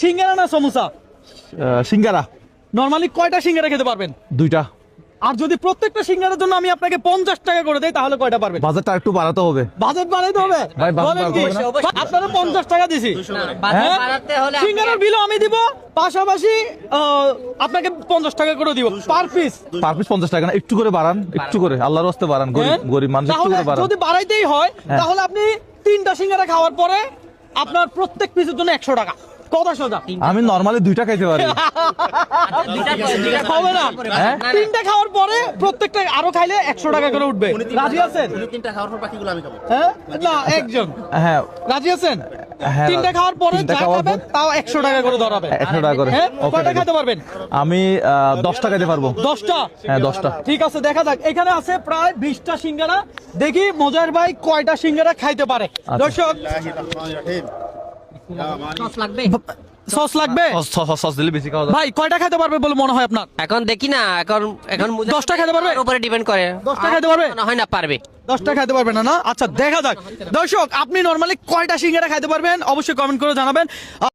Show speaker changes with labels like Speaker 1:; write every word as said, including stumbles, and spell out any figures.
Speaker 1: সিঙ্গারা না সমোসা?
Speaker 2: সিঙ্গারা।
Speaker 1: নরমালি কয়টা সিঙ্গারা খেতে পারবেন?
Speaker 2: দুইটা।
Speaker 1: আর যদি প্রত্যেকটা সিঙ্গারার জন্য আমি আপনাকে পঞ্চাশ টাকা করে দেই তাহলে কয়টা পারবেন?
Speaker 2: বাজারটা একটু বাড়াতে হবে।
Speaker 1: বাজেট বাড়াইতে হবে
Speaker 2: ভাই, বাজেট
Speaker 1: বলেন কি?
Speaker 2: বাড়াতে হবে
Speaker 1: আপনারা পঞ্চাশ টাকা দিছি, হ্যাঁ? সিঙ্গারার বিলও আমি দিব, পাশাপাশি আহ, আপনাকে পঞ্চাশ টাকা করে দিব পার পিস।
Speaker 2: পার পিস পঞ্চাশ টাকা না, একটু করে বাড়ান, একটু করে আল্লাহর রাস্তে বাড়ান, গরিব গরিব মানুষ একটু করে বাড়ান।
Speaker 1: যদি বাড়াইতেই হয় তাহলে আপনি তিনটা সিঙ্গারা খাওয়ার পরে আপনার প্রত্যেক পিসের জন্য একশো টাকা। কথা সোজা।
Speaker 2: আমি নরমালি দুইটা খাইতে পারি।
Speaker 1: হবে না,
Speaker 2: হ্যাঁ?
Speaker 1: তিনটা খাওয়ার পরে প্রত্যেকটা আরো খাইলে একশো টাকা করে উঠবে। রাজি আছেন?
Speaker 3: তিনটা খাওয়ার পর বাকিগুলো আমি খাবো।
Speaker 1: হ্যাঁ না একজন
Speaker 2: হ্যাঁ
Speaker 1: রাজি আছেন?
Speaker 2: হ্যাঁ,
Speaker 1: তিনটা খাওয়ার পরে
Speaker 2: তিনটা
Speaker 1: যা
Speaker 2: খাওয়ার
Speaker 1: খাবেন
Speaker 2: পর-
Speaker 1: তাও একশো টাকা করে ধরাবে।
Speaker 2: একশো টাকা করে।
Speaker 1: হ্যাঁ
Speaker 2: ওকে,
Speaker 1: কয়টা
Speaker 2: ওকে।
Speaker 1: খাইতে পারবেন?
Speaker 2: আমি আহ, দশটা খাইতে পারবো।
Speaker 1: দশটা?
Speaker 2: হ্যাঁ দশটা।
Speaker 1: ঠিক আছে, দেখা যাক। এখানে আছে প্রায় বিশটা সিঙ্গারা, দেখি মোজার ভাই কয়টা সিঙ্গারা খাইতে পারে। দর্শক, সস লাগবে?
Speaker 2: সস- সস- সস দিলে বেশি খাওয়া যায়।
Speaker 1: ভাই কয়টা খেতে পারবে বলে মনে হয় আপনার?
Speaker 4: এখন দেখি না, এখন এখন মুজাহিদ
Speaker 1: দশটা খেতে পারবে?
Speaker 4: ভাইয়ের উপরে ডিপেন্ড করে।
Speaker 1: দশটা খেতে পারবে?
Speaker 4: মনে হয় না পারবে।
Speaker 1: দশটা খাইতে পারবেন না না? আচ্ছা দেখা যাক। দর্শক, আপনি নরমালি কয়টা সিঙ্গারা খাইতে পারবেন অবশ্যই কমেন্ট করে জানাবেন।